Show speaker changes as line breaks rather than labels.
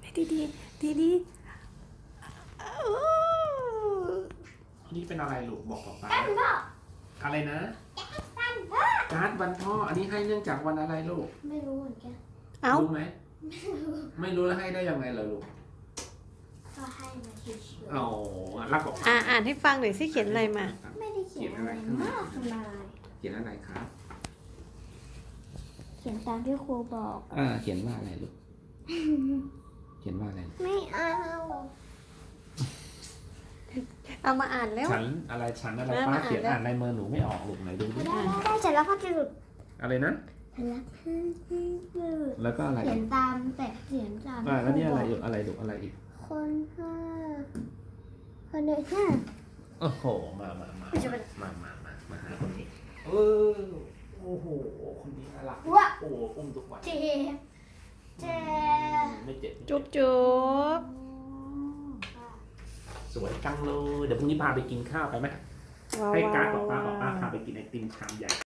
ดีดีดีดี
อันนี้เป็นอะไรลูกบอกป๊า
กันพ่อ
อะไรนะ
กันพ่อ
การ์ดวันพ่ออันนี้ให้เนื่องจากวันอะไรลูก
ไม่รู้เหมือนกัน
เอ้า
รู้ไหมไม่รู้แล้วให้ได้ยังไงเหรอลูก
ก็ให้มาเฉย
อ๋อรักบอก
อ่านให้ฟังหน่อยสิเขียนอะไรมา
ๆไม่ได้เขียนอะไรมากมาย
เขียนอะไรครับ
เขียนตามที่ครูบอก
เขียนว่าอะไรลูกเขียนว่าอะไร
ไม่เอา
เอามาอ่านแล้ว
ฉันอะไรป้า
มาอ่าน
เขียน
แล้ว
อ่านในมือหนูไม่ออกลูกไหนดูดิ
ได้เสร็จแล้วพ่อจะหลุด
อะไรนะ
เสร็จแล้วพ่อจะหลุด
แล้วก็อะไร
เขียนตามแต่เขียนตาม
แล้วนี่อะไร
ที่
อีกอะไรลูกอะไรอีก
คนห้าคนเด็กห้า
โอ้โหมาหาคนนี้โอ้โหคนนี้น่ารัก
ว้า
โอ้อุ้มทุกวัน
เจ็บเจ็บ
ไม่เจ็บ
จุ๊บจุ๊บ
สวยจังเลยเดี๋ยวพรุ่งนี้พาไปกินข้าวไปไหม
ว้าว
ให้การ์ด
ว้าว
บอกป้าพาไปกินไอติมชามใหญ่